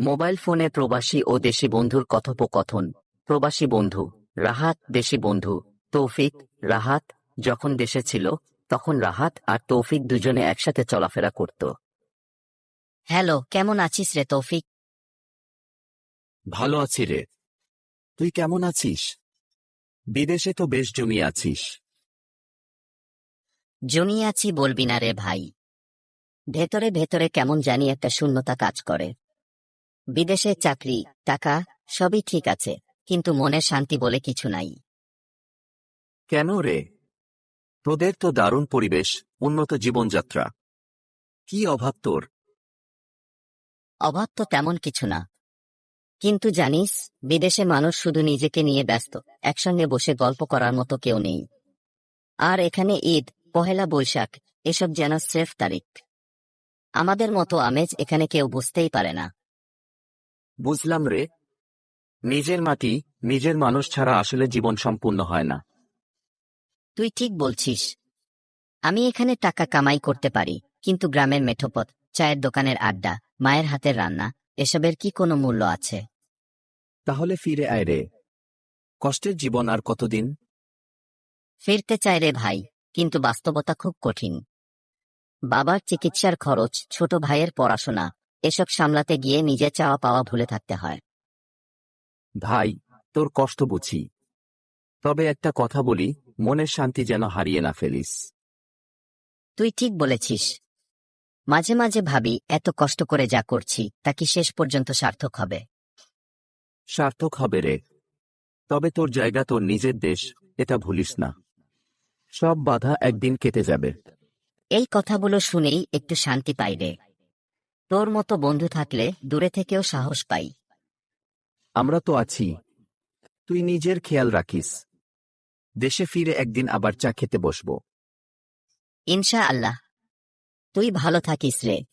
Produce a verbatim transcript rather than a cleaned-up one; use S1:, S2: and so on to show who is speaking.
S1: Mobile ফোনে প্রবাসী ও দেশি বন্ধুর কথোপকথন। প্রবাসী বন্ধু রাহাত, দেশি বন্ধু তৌফিক। রাহাত যখন দেশে ছিল তখন রাহাত আর তৌফিক দুজনে একসাথে চলাফেরা করত।
S2: হ্যালো, কেমন আছিস রে তৌফিক?
S3: ভালো আছি রে। তুই কেমন আছিস? বিদেশে তো বেশ জমিয়ে আছিস।
S2: জমিয়ে আছি বলবি না রে ভাই। ভেতরে ভেতরে কেমন জানি একটা শূন্যতা কাজ করে। বিদেশে চাকরি, টাকা সবই ঠিক আছে, কিন্তু মনের শান্তি বলে কিছু নাই।
S3: কেন রে? তোদের তো দারুণ পরিবেশ, উন্নত জীবনযাত্রা। কি অভাব তোর?
S2: অভাব তো তেমন কিছু না, কিন্তু জানিস, বিদেশে মানুষ শুধু নিজেকে নিয়ে ব্যস্ত, একসঙ্গে বসে গল্প করার মতো কেউ নেই। আর এখানে ঈদ, পহেলা বৈশাখ এসব যেন স্রেফ তারিখ। আমাদের মতো আমেজ এখানে কেউ বুঝতেই পারে না।
S3: বুঝলাম রে। নিজের মাটি, নিজের মানুষ ছাড়া আসলে জীবন সম্পূর্ণ হয় না।
S2: তুই ঠিক বলছিস। আমি এখানে টাকা কামাই করতে পারি, কিন্তু গ্রামের মেঠোপথ, চায়ের দোকানের আড্ডা, মায়ের হাতের রান্না, এসবের কি কোনো মূল্য আছে?
S3: তাহলে ফিরে আয় রে। কষ্টের জীবন আর কতদিন?
S2: ফিরতে চাই রে ভাই, কিন্তু বাস্তবতা খুব কঠিন। বাবার চিকিৎসার খরচ, ছোট ভাইয়ের পড়াশোনা, এসব সামলাতে গিয়ে নিজে চাওয়া পাওয়া ভুলে থাকতে হয়।
S3: ভাই, তোর কষ্ট বুঝি। তবে একটা কথা বলি, মনের শান্তি যেন হারিয়ে না ফেলিস।
S2: তুই ঠিক বলেছিস। মাঝে মাঝে ভাবি, এত কষ্ট করে যা করছি তা কি শেষ পর্যন্ত সার্থক হবে?
S3: সার্থক হবে রে। তবে তোর জায়গা তোর নিজের দেশ, এটা ভুলিস না। সব বাধা একদিন কেটে যাবে।
S2: এই কথাগুলো শুনেই একটু শান্তি পাই রে। তোর মতো বন্ধু থাকলে দূরে থেকেও সাহস পাই।
S3: আমরা তো আছি। তুই নিজের খেয়াল রাখিস। দেশে ফিরে একদিন আবার চা খেতে বসবো।
S2: ইনশা আল্লাহ। তুই ভালো থাকিস রে।